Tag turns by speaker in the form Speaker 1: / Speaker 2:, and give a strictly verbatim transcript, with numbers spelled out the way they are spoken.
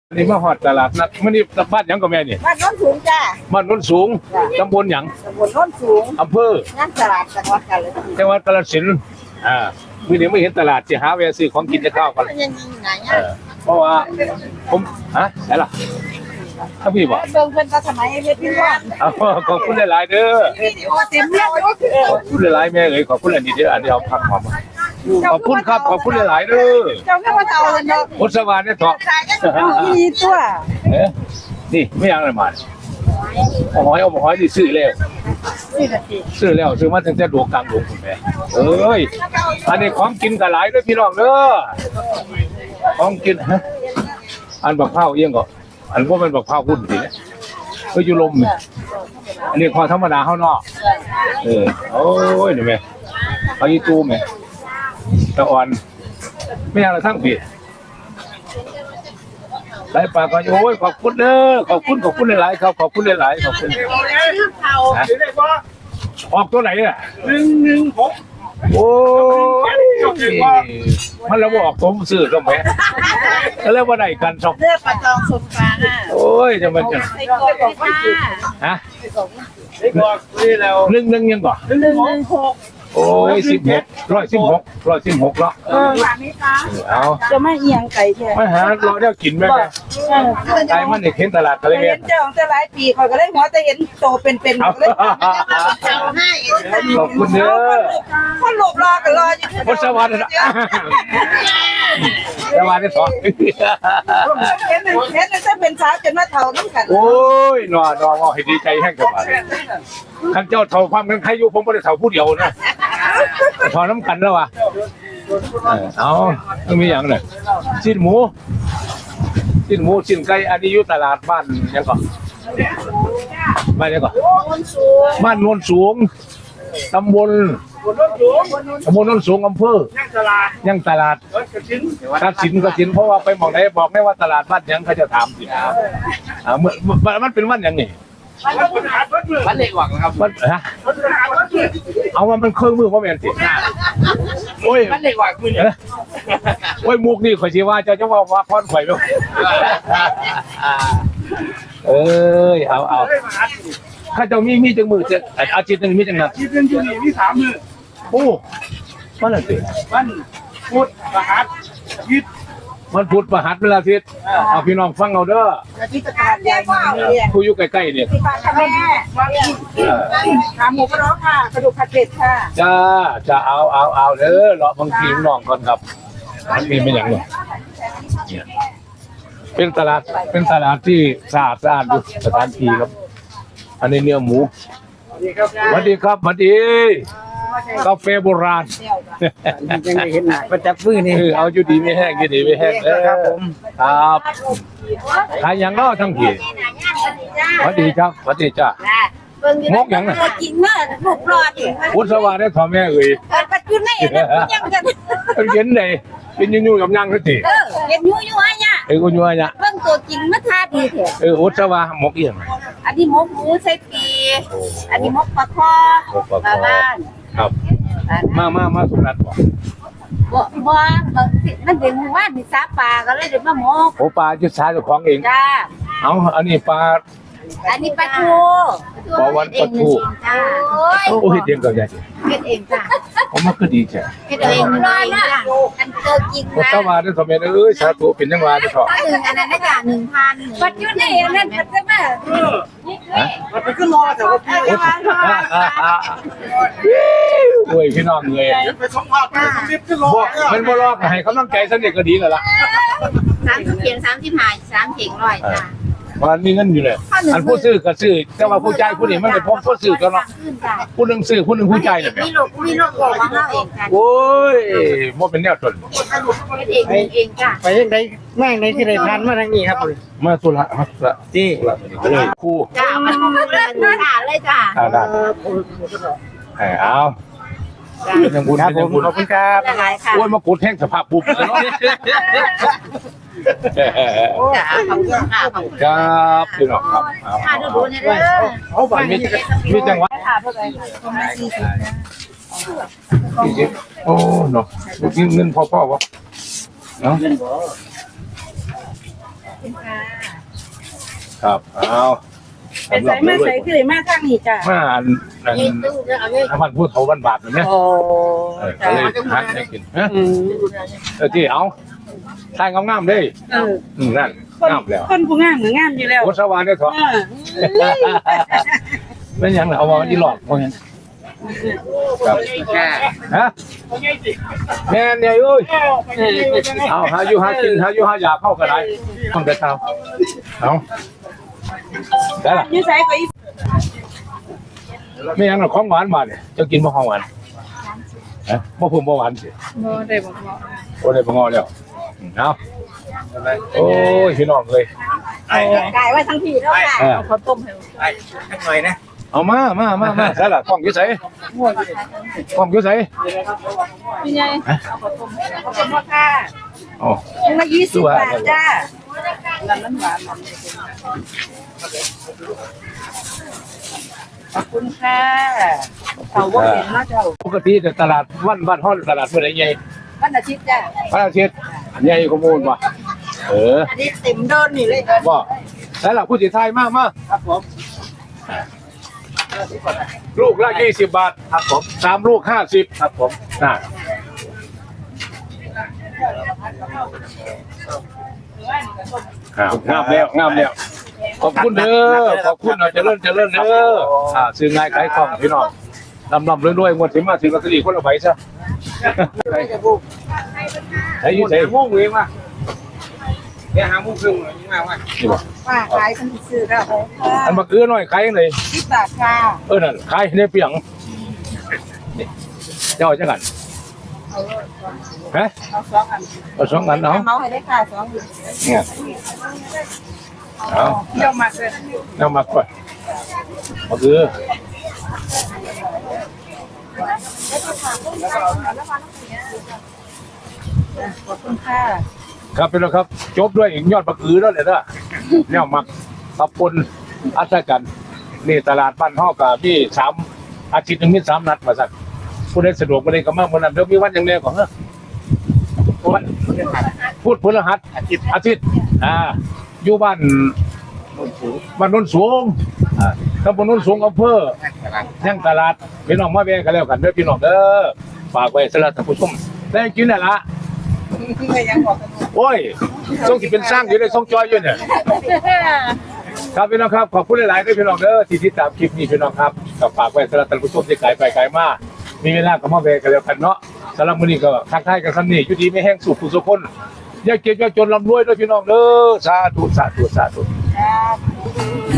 Speaker 1: นี่มาหอดตลาดนัดมันนี่บ้านหยังกับแม่นี่
Speaker 2: บ้านโน้นสูงจ้า
Speaker 1: บ้านโน้นสูงตำบลหยัง
Speaker 2: ตำบลโน้นสูง
Speaker 1: อำเภอง
Speaker 2: านตลาดจังหวัดกาฬสินธุ์
Speaker 1: จังหวัดกาฬสินธุ์อ่ามื้อนี้ไม่เห็นตลาดสิหาแวะซื้อของกินจะข้าวกัน
Speaker 2: ยังยิงไหน
Speaker 1: เออเพราะว่าผมฮะไหนล่ะถ้าพี่บอก
Speaker 2: เบิ่งเพิ่นก็สมัยเฮ็ดพี่ว่า
Speaker 1: ขอบคุณหลายๆเด้อ
Speaker 2: วิดีโอเต็มเลย
Speaker 1: ขอบคุณหลายๆแม่เอ้ยขอบคุณอันนี้เด้ออันนี้เอาผักหอมขอบคุณครับขอบคุณหลายๆเด้อ
Speaker 2: เจ้าแค่ว่าเตาเลยเนาะ
Speaker 1: พุทธวานเนี่ยเถาะ
Speaker 2: มีตัว
Speaker 1: เอ๊ะนี่ไม่ยังอะไรมาเอาหอยเอาหอยที่ซื้อแล้วซื้อแล้วซื้อมาตั้งแต่ดวงกลางดวงคุณแม่เอ้ยอันนี้ของกินกันหลายเด้อพี่น้องเด้อของกินฮะอันบักเผาเอียงก็อันพวกมันบักเผาพุ่นสิเนี่ยก็อยู่ลมเนี่ยอันนี้ของธรรมดาข้างนอกเออโอ้ยเดี๋ยวแม่เอาอีตูแม่ตะอ่อนไม่เอาอะไรทั้งผิดหลายปากก็โอ้ยขอบคุณเด้อขอบคุณขอบคุณหลายๆครับขอบคุณหลายๆขอบคุณออกตัวไหนอ่ะหนึ่งหนึ่งหกโอ้ยมันแล้วบอกผมซื้อก็แม่แล้วว่าไหนกันสอง
Speaker 2: เลือกปลาตองสมปลาน่ะ
Speaker 1: โอ้ยจะมันจะ
Speaker 2: ไอ้กบบอกว่า
Speaker 1: ฮะไอ้กบนี่แล้วหนึ่งหนึ่งยังก่อน
Speaker 2: หนึ่งหนึ่งหก
Speaker 1: โอ้ยสิบหกร้อยสิบหกร้อยสิบหกแล้ว
Speaker 2: เออแบบนี้ค่ะ
Speaker 1: เอา
Speaker 2: จะไม่เอียงไก่แท้
Speaker 1: ไม่หาเราได้กินไหมแม่ไก่มันเด็กเห็นตลาดอะไรเงี้ย
Speaker 2: เห็นเจ้าของแต่หลายปีคอยก็เลยหัวแต่เห็นโตเป็นๆก็เลยเจ้าให้
Speaker 1: ขอบคุณเด้อ
Speaker 2: คนหลบรอกันรออยู่
Speaker 1: พุทธวันนะสวัสดีสอง
Speaker 2: เห็นเห็นเห็นจะเป็นสาวจนมาเท่าน้ำกัน
Speaker 1: โอ้ยนอนนอนว่าให้ดีใจแห้งจังหวะข้าเจ้าเท่าความกันใครอยู่ผมไม่ได้เท่าผู้เดียวนะเท่าน้ำกันแล้ววะเอาต้องมีอย่างเลยชิ้นหมูชิ้นหมูชิ้นไก่อันนี้อยู่ตลาดบ้านยังก่อนบ้านยังก่อนบ้านโนนสูงตำบลตำบลโนนสูงอำเภอยังตลาดกระสินกระสินเพราะว่าไปมองไหนบอกไม่ว่าตลาดบ้านยังเขาจะถามสิอ่าเมื่อมันเป็นวันยังไง
Speaker 3: วันเล็กหวังนะครับ
Speaker 1: มันฮะเอาว่ามันเครื่องมือเพราะแมนสิโอ้ย
Speaker 3: วันเล็กหวังมือเนี่ย
Speaker 1: โอ้ยมุกนี่ข่อยชีว่าเจ้าจะว่าว่าพอนข่อยไหมเอ้ยเอาเอาข้าเจ้ามีมีจังมือจะอาทิตย์หนึ่งมีจังนะ
Speaker 3: ที่เป็นยูนี่มีสามมือ
Speaker 1: โอ้มันอะไร
Speaker 3: มันพุธประหัสยิด
Speaker 1: มันพุธประหัสเวลาทิศเอาพี่น้องฟังเอาเด้อ
Speaker 2: ที่ตลาดใหญ่
Speaker 1: ผู้อยู่ใกล้ๆเนี่ย
Speaker 2: ที่บ้านค่ะแม่ขาหมูกระร้องค่ะกระดูกผัดเผ็ดค่ะ
Speaker 1: จ้าจะเอาเอาเอาเด้อเลาะบางทีน้องก่อนครับมันมีเป็นอย่างไรเป็นตลาดเป็นตลาดที่สะอาดสะอาดดูสถานที่ครับอันนี้เนื้อหมูสวัสดีครับสวัสดีกาแฟโบราณ
Speaker 3: ยังไม่เห็นประจับมือนี่
Speaker 1: เอาอยู่ดีไม่แห้งอยู่ดีไม่แห้งครับผมครับขายอย่างนอกทั้งทีสวัสดีครับสวัสดีจ้ามกอย่างน่ะ
Speaker 2: กินเมื่อถูกรอด
Speaker 1: พุทธวาได้ทอแม่เอ่ย
Speaker 2: ปัจจุบันนี่ยังกัน
Speaker 1: เป็นเย็นเลยเป็นยุ่งๆกับยังนั่นสิ
Speaker 2: เออเย็นยุ่งยุ่งอ่ะเนี่ย
Speaker 1: เออยุ่งยุ่งอ่ะ
Speaker 2: เบิ่งตัวจริงมาทาดีเถอะ
Speaker 1: เออพุทธวามกเอี่ยง
Speaker 2: อันนี้มกหมูใส่ปีอันนี้มกปลาคอปลาบ้าน
Speaker 1: ครับมามามาสุนัขบ่
Speaker 2: บ่บ่มันเด็กหมู่บ้านมีซาปลาก็เลยเดี๋ยวมามก
Speaker 1: โอ้ปลาจุดสาเจ้าของเอง
Speaker 2: จ้า
Speaker 1: เอาอันนี้ปลา
Speaker 2: อันนี้ปลาทู
Speaker 1: ปลาวันปลาทูโอ้ยเด็กก็ใหญ่
Speaker 2: เฮ็ดเองจ้า
Speaker 1: ผมมันก็ดีใช่
Speaker 2: เฮ็ดเองน้อยนะอันเจอกินนะ
Speaker 1: พุทธวาได้ทอแม่เอ้ยสาธุเป็นจังหวะเด้อเถาะ
Speaker 2: นึงอันนั้นได้จ้ะ หนึ่งพัน ปัจจุบันนี่อันนั้นปัจจุบัน
Speaker 1: ฮะมันเป็นขึ้นรอแต่ว่าโอ้ยพี่น้องเลย
Speaker 3: ไปสัมภาษณ์ไปสมิธขึ้นรอ
Speaker 1: มันบ่รอให้กำลังใจสนิทก็ดีแล้วล่ะ
Speaker 2: สามสิบเพียงสามสิบห้าสามเข่งร้อยจ้ะ
Speaker 1: วันนี้เงินอยู่เลยอันผู้ซื้อก็ซื้อแต่ว่าผู้จ่ายผู้นี้มันไม่พร้อมผู้ซื้อกันเนาะผู้หนึ่งซื้อผู้หนึ่งผู้จ่ายเนี่ย
Speaker 2: มีลูกมีลูกบอกว่าเราเองจ้ะ
Speaker 1: โอ้ยมันเป็นแนวตน
Speaker 2: เองเองจ้ะ
Speaker 3: ไปยังไงแม่งในที่ไหนพันมาทางนี้ครับ
Speaker 1: มาตุละครับละ
Speaker 3: ที่
Speaker 1: เลยคู่
Speaker 2: จ้ะมันเล่นเล่นเลยจ้ะ
Speaker 1: อ่าได้เอายังบุญยังบุญ
Speaker 3: ขอบคุณครับ
Speaker 1: โอ้ยมากูแท่งสภาพปุ๊บเลยเนาะ
Speaker 2: จ้าขอบคุณค่ะขอบคุณ
Speaker 1: ครับพี่น้องครับ
Speaker 2: ค่ะดูดูเนี่ยเด้อ
Speaker 1: เขาบ้านมีมีจังหวัดโอ้เนาะกินเงินพ่อพ่อวะเนาะ
Speaker 2: คุณค่ะ
Speaker 1: ครับเอา
Speaker 4: ไปใส่มาใส่คือมาทางนี้จ้ะ
Speaker 1: มาอันอันน้ำมันพูดเขาบ้านบาทแบบนี้
Speaker 4: โอ้
Speaker 1: เออก็
Speaker 4: จ้ะ
Speaker 1: เลยหาให้กินฮะ
Speaker 4: อืม
Speaker 1: เออที่เอาทายงามๆเด้
Speaker 4: เออ
Speaker 1: อืมนั่น
Speaker 4: คน
Speaker 1: งามแล้ว
Speaker 4: คนผู้งามก็งามอยู่แล้ว
Speaker 1: โคสวานเนี่ยเถอะ
Speaker 4: เออ
Speaker 1: เป็นหยังล่ะเอาว่าอีหลอกว่าหยังครับฮะแม่นเนี่ยเอ้ยเอาหาอยู่หากินหาอยู่หาอยากเข้าก็ได้ต้องแต่เช้าเอาได้ล่ะ
Speaker 4: อยู่ใส่ก็อี
Speaker 1: ไม่หยังหรอกของหวานมาเนี่ยจะกินบ่ของหวานฮะบ่เพิ่มบ่หวานสิ
Speaker 4: บ่ได้บ่บ่
Speaker 1: โอ้ได้บ่งอแล้วอืมเอาโอ้ยพี่น้องเลย
Speaker 2: ไก่ไว้ทั้งทีแล้วค่ะ
Speaker 1: เออ
Speaker 4: ข้าวต้มให้
Speaker 3: ไอ้ทั้งหน่อยนะ
Speaker 1: เอามามามามาใส่ล่ะกล้องอยู่ไสกล้องอยู่ไส
Speaker 4: พี่ใหญ่
Speaker 2: ขอบคุณพ่อค่ะ
Speaker 1: อ๋อ
Speaker 2: ยังละยี่สิบบาทจ้า
Speaker 4: ร้านนั้นหวานขอบคุณค่ะเขาบ่เห็นเนาะเจ้า
Speaker 1: ปกติแต่ตลาดวันบ้านฮ้อนตลาดเมื่อไหร่ใหญ่
Speaker 2: วันอาทิตย์จ้า
Speaker 1: วันอาทิตย์ใหญ่กว่าหมู่บ่เออ
Speaker 2: อันนี้เต็มเดินนี่เลย
Speaker 1: บ่ใส่ล่ะผู้สิทายมามา
Speaker 3: ครับผม
Speaker 1: ลูกละยี่สิบบาท
Speaker 3: ครับผม
Speaker 1: สามลูกห้าสิบ
Speaker 3: ครับผม
Speaker 1: น่ะครับงามแล้วงามแล้วขอบคุณเด้อขอบคุณเนาะเจริญเจริญเด้ออ่าซื้อง่ายขายคล่องพี่น้องลำลำรวยๆงวดสิมาถึงลอตเตอรี่คนละใบซะใช้อยู่ใช้
Speaker 3: มุ่งเองว่ะเดี๋ยวหามุ่งครึ่งหน่อยยิ่งมากว่ะ
Speaker 1: นี่บ่
Speaker 2: ป้าขายคนที่ซื้อแล้วค่ะ
Speaker 1: อันบักเอื้อหน่อยขายจังได๋
Speaker 2: สิบบาทค่ะ
Speaker 1: เออนั่นขายในเปียงเจ้าจังกันฮะ
Speaker 2: เอาสองอัน
Speaker 1: เอาสองอันเอา
Speaker 2: เมาให้ได้ค่ะสองอยู่
Speaker 1: เนี่ยเอา
Speaker 4: เที่ยวมาเลย
Speaker 1: เอามาก่อนบักเอื้อ
Speaker 2: ขอบคุณค่ะ
Speaker 1: ครับเป็นแล้วครับ จบด้วยอีกยอดบักอือแล้วเนี่ยนะเนี่ยมักขับปนอัศกันนี่ตลาดบ้านฮอกกับพี่สามอาทิตย์หนึงมีสามนัดมาสักผู้ใดสะดวกผู้ใดก็มาเมื่อนั้นเดี๋ยวมีวันอย่างเดียวก่อนเนอะวันพูดพฤหัสอาทิตย์อาทิตย์อ่าอยู่บ้านบ้านโนนสูงอ่าตำบลโนนสูงอำเภอยังตลาดพี่น้องมาแวะกันแล้วกันเด้อพี่น้องเด้อฝากไว้สำหรับท่านผู้ชมได้กินน่ะละ
Speaker 2: ไม่ยังบอกกัน
Speaker 1: โอ้ยส่งที่เป็นสร้างอยู่ในส่งจอยอยู่เนี่ยครับพี่น้องครับขอบคุณหลายๆด้วยพี่น้องเด้อที่ติดตามคลิปนี้พี่น้องครับกับฝากไว้สำหรับท่านผู้ชมที่ไกลไปไกลมามีเวลาก็มาแวะกันแล้วกันเนาะสำหรับมื้อนี้ก็ทักทายกันซ้ำนี่อยู่ดีไม่แห้งสุขผู้สุขคนอย่าเก็บอย่าจนร่ำรวยด้วยพี่น้องเด้อสาธุสาธุสาธุ
Speaker 2: จ้า